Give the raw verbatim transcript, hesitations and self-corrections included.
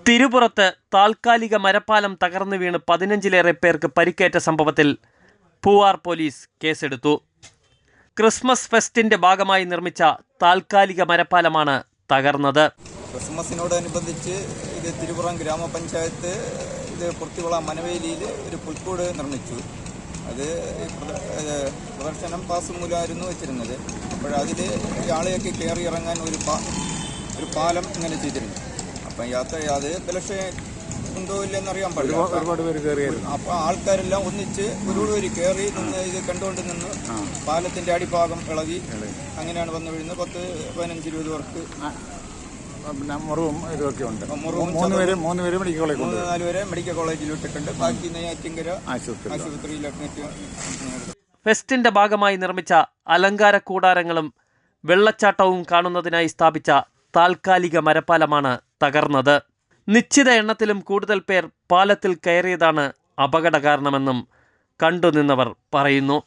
തിരുപുറത്ത് താൽക്കാലിക മരപ്പാലം തകർന്നു വീണ് പതിനഞ്ചിലേറെ പേർക്ക് പരിക്കേറ്റ സംഭവത്തിൽ പൂവാർ പോലീസ് കേസെടുത്തു. ക്രിസ്മസ് ഫെസ്റ്റിന്റെ ഭാഗമായി നിർമ്മിച്ച താൽക്കാലിക മരപ്പാലമാണ് തകർന്നത്. ക്രിസ്മസിനോടനുബന്ധിച്ച് ഇത് തിരുപുറം ഗ്രാമപഞ്ചായത്ത് ഇത് പുറത്തിക്കുളം മനവേലിയിൽ ഒരു പുൽക്കൂട് നിർമ്മിച്ചു. അത് പ്രദർശനം പാസ് മൂലമായിരുന്നു വെച്ചിരുന്നത്. അപ്പോഴതിൽ ആളെയൊക്കെ കയറി ഇറങ്ങാൻ ഒരു പാ ഒരു പാലം ഇങ്ങനെ ചെയ്തിരുന്നു. അപ്പം യാത്ര അത് ബലക്ഷേ ഉണ്ടോ ഇല്ലെന്നറിയാൻ പാടില്ല. ഒരുപാട് പേര് കയറിയായിരുന്നു. അപ്പോൾ ആൾക്കാരെല്ലാം ഒന്നിച്ച് ഒരുപാട് പേര് കയറി നിന്ന് ഇത് കണ്ടുകൊണ്ട് നിന്ന് പാലത്തിൻ്റെ അടിഭാഗം ഇളകി അങ്ങനെയാണ് വന്നു വീഴുന്നത്. പത്ത് പതിനഞ്ച് ഇരുപത് പേർക്ക് മുറിവും ഇതൊക്കെ ഉണ്ട്. മൂന്ന് പേര് മൂന്ന് പേര് മെഡിക്കൽ കോളേജ് മൂന്ന് നാല് പേരെ മെഡിക്കൽ കോളേജിൽ വിട്ടിട്ടുണ്ട്. ബാക്കി നെയ്യാറ്റിങ്കര ആശുപത്രിയിൽ. ഫെസ്റ്റിന്റെ ഭാഗമായി നിർമ്മിച്ച അലങ്കാര കൂടാരങ്ങളും വെള്ളച്ചാട്ടവും കാണുന്നതിനായി സ്ഥാപിച്ച താൽക്കാലിക മരപ്പാലമാണ് തകർന്നത്. നിശ്ചിത എണ്ണത്തിലും കൂടുതൽ പേർ പാലത്തിൽ കയറിയതാണ് അപകട കാരണമെന്നും കണ്ടുനിന്നവർ പറയുന്നു.